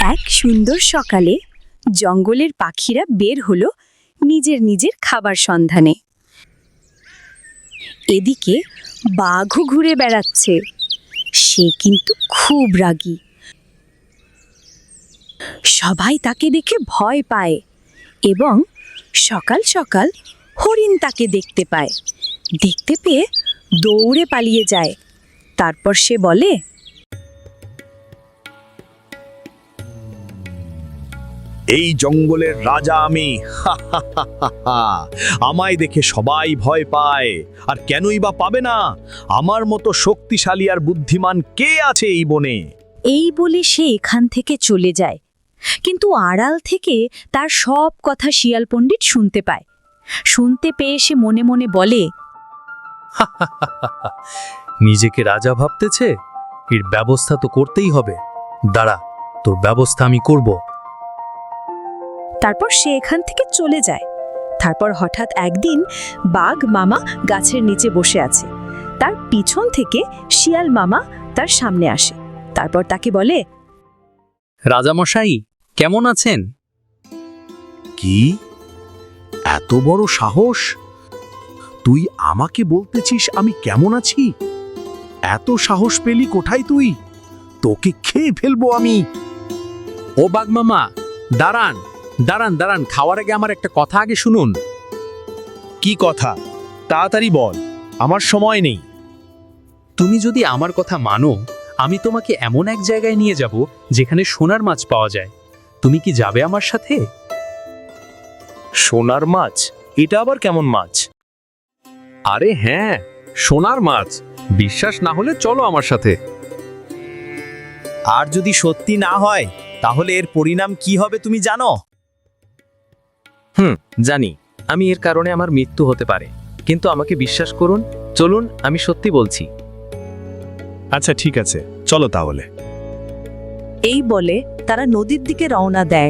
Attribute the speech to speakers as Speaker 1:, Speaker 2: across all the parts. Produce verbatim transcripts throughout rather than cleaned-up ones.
Speaker 1: এক সুন্দর সকালে জঙ্গলের পাখিরা বের হলো নিজের নিজের খাবার সন্ধানে। এদিকে বাঘও ঘুরে বেড়াচ্ছে। সে কিন্তু খুব রাগী। সবাই তাকে দেখে ভয় পায় এবং সকাল সকাল হরিণ তাকে দেখতে পায়। দেখতে পেয়ে দৌড়ে পালিয়ে যায়। তারপর সে বলে,
Speaker 2: এই জঙ্গলের রাজা আমি। আমায় দেখে সবাই ভয় পায়, আর কেনই বা পাবে না? আমার মতো শক্তিশালী আর বুদ্ধিমান কে আছে এই বনে?
Speaker 1: এই বলে সে এখান থেকে চলে যায়। কিন্তু আড়াল থেকে তার সব কথা শিয়াল পণ্ডিত শুনতে পায়। শুনতে পেয়ে সে মনে মনে বলে,
Speaker 3: নিজেকে রাজা ভাবতেছে, এর ব্যবস্থা তো করতেই হবে। দাঁড়া, তোর ব্যবস্থা আমি করব।
Speaker 1: তারপর সে এখান থেকে চলে যায়। তারপর হঠাৎ একদিন বাঘ মামা গাছের নিচে বসে আছে। তার পিছন থেকে শিয়াল মামা তার সামনে আসে। তারপর তাকে বলে,
Speaker 3: রাজামশাই, কেমন আছেন?
Speaker 2: কি এত বড় সাহস? তুই আমাকে বলতেছিস আমি কেমন আছি? এত সাহস পেলি কোথায় তুই? তোকে খেয়ে ফেলবো আমি।
Speaker 3: ও বাঘ মামা, দাঁড়ান দাঁড়ান দাঁড়ান খাওয়ার আগে আমার একটা কথা আগে শুনুন।
Speaker 2: কি কথা? তাড়াতাড়ি বল, আমার সময় নেই।
Speaker 3: তুমি যদি আমার কথা মানো, আমি তোমাকে এমন এক জায়গায় নিয়ে যাব যেখানে সোনার মাছ পাওয়া যায়। তুমি কি যাবে আমার সাথে?
Speaker 2: সোনার মাছ? এটা আবার কেমন মাছ?
Speaker 3: আরে হ্যাঁ, সোনার মাছ। বিশ্বাস না হলে চলো আমার সাথে।
Speaker 2: আর যদি সত্যি না হয় তাহলে এর পরিণাম কি হবে তুমি জানো?
Speaker 4: হুম, জানি। আমি এর কারণে আমার মৃত্যু হতে পারে, কিন্তু আমাকে বিশ্বাস করুন, চলুন, আমি সত্যি বলছি।
Speaker 2: আচ্ছা ঠিক আছে, চলো তাহলে।
Speaker 1: এই বলে তারা নদীর দিকে রওনা দেয়।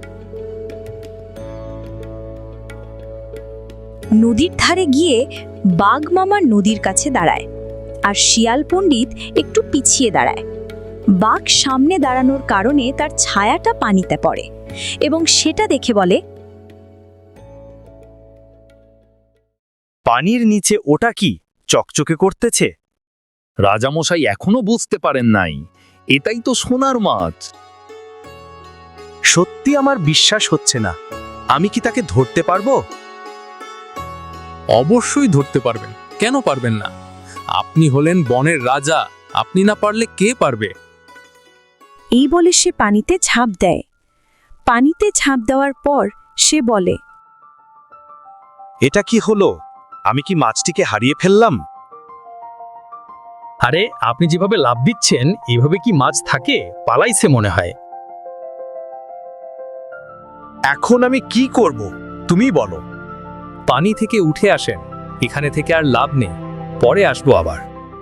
Speaker 1: নদীর ধারে গিয়ে বাঘ মামা নদীর কাছে দাঁড়ায়, আর শিয়াল পণ্ডিত একটু পিছিয়ে দাঁড়ায়। বাঘ সামনে দাঁড়ানোর কারণে তার ছায়াটা পানিতে পড়ে এবং সেটা দেখে বলে,
Speaker 2: পানির নিচে ওটা কি চকচকে করতেছে?
Speaker 3: রাজামশাই এখনো বুঝতে পারেন নাই, এটাই তো সোনার মাছ।
Speaker 2: সত্যি আমার বিশ্বাস হচ্ছে না। আমি কি তাকে ধরতে পারবো?
Speaker 3: অবশ্যই ধরতে পারবেন, কেন পারবেন না? আপনি হলেন বনের রাজা, আপনি না পারলে কে পারবে?
Speaker 1: এই বলে সে পানিতে ঝাঁপ দেয়। পানিতে ঝাঁপ দেওয়ার পর সে বলে,
Speaker 2: এটা কি হলো? আমি কি মাছটিকে হারিয়ে ফেললাম?
Speaker 3: আরে, আপনি যেভাবে লাভ দিচ্ছেন, এভাবে কি মাছ থাকে? পালাইছে মনে হয়।
Speaker 2: এখন আমি কি করব তুমি বলো।
Speaker 3: পানি থেকে উঠে আসেন, এখানে থেকে আর লাভ নেই, পরে আসবো আবার।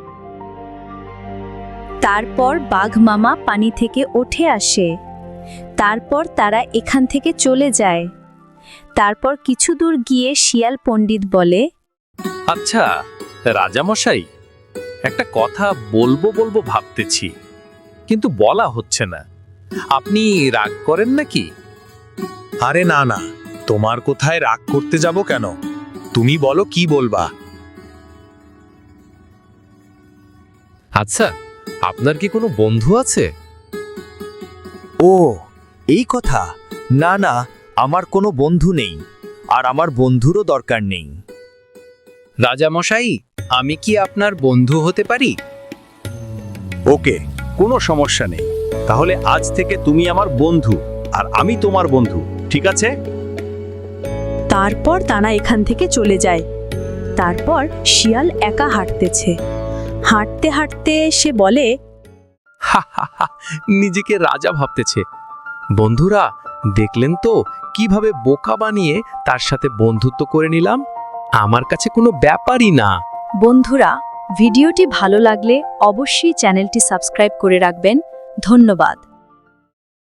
Speaker 1: তারপর বাঘ মামা পানি থেকে উঠে আসে। তারপর তারা এখান থেকে চলে যায়। তারপর কিছু দূর গিয়ে শিয়াল পণ্ডিত বলে,
Speaker 3: আচ্ছা রাজামশাই, একটা কথা বলবো বলবো ভাবতেছি, কিন্তু বলা হচ্ছে না। আপনি রাগ করেন নাকি?
Speaker 2: আরে না না, তোমার কোথায় রাগ করতে যাব কেন? তুমি বলো কি বলবা।
Speaker 3: আচ্ছা, আপনার কি কোনো বন্ধু আছে?
Speaker 2: ও এই কথা। না না, আমার কোনো বন্ধু নেই, আর আমার বন্ধুরও দরকার নেই।
Speaker 3: রাজামশাই, আমি কি আপনার বন্ধু হতে পারি?
Speaker 2: ওকে, কোনো সমস্যা নেই। তাহলে আজ থেকে তুমি আমার বন্ধু আর আমি তোমার বন্ধু, ঠিক আছে?
Speaker 1: তারপর তারা এখান থেকে চলে যায়। তারপর শিয়াল একা হাঁটতেছে। হাঁটতে হাঁটতে সে বলে,
Speaker 3: হা হা হা, নিজেকে রাজা ভাবতেছে। বন্ধুরা, দেখলেন তো কিভাবে বোকা বানিয়ে তার সাথে বন্ধুত্ব করে নিলাম? আমার কাছে কোনো ব্যাপারই না।
Speaker 1: বন্ধুরা, ভিডিওটি ভালো লাগলে অবশ্যই চ্যানেলটি সাবস্ক্রাইব করে রাখবেন। ধন্যবাদ।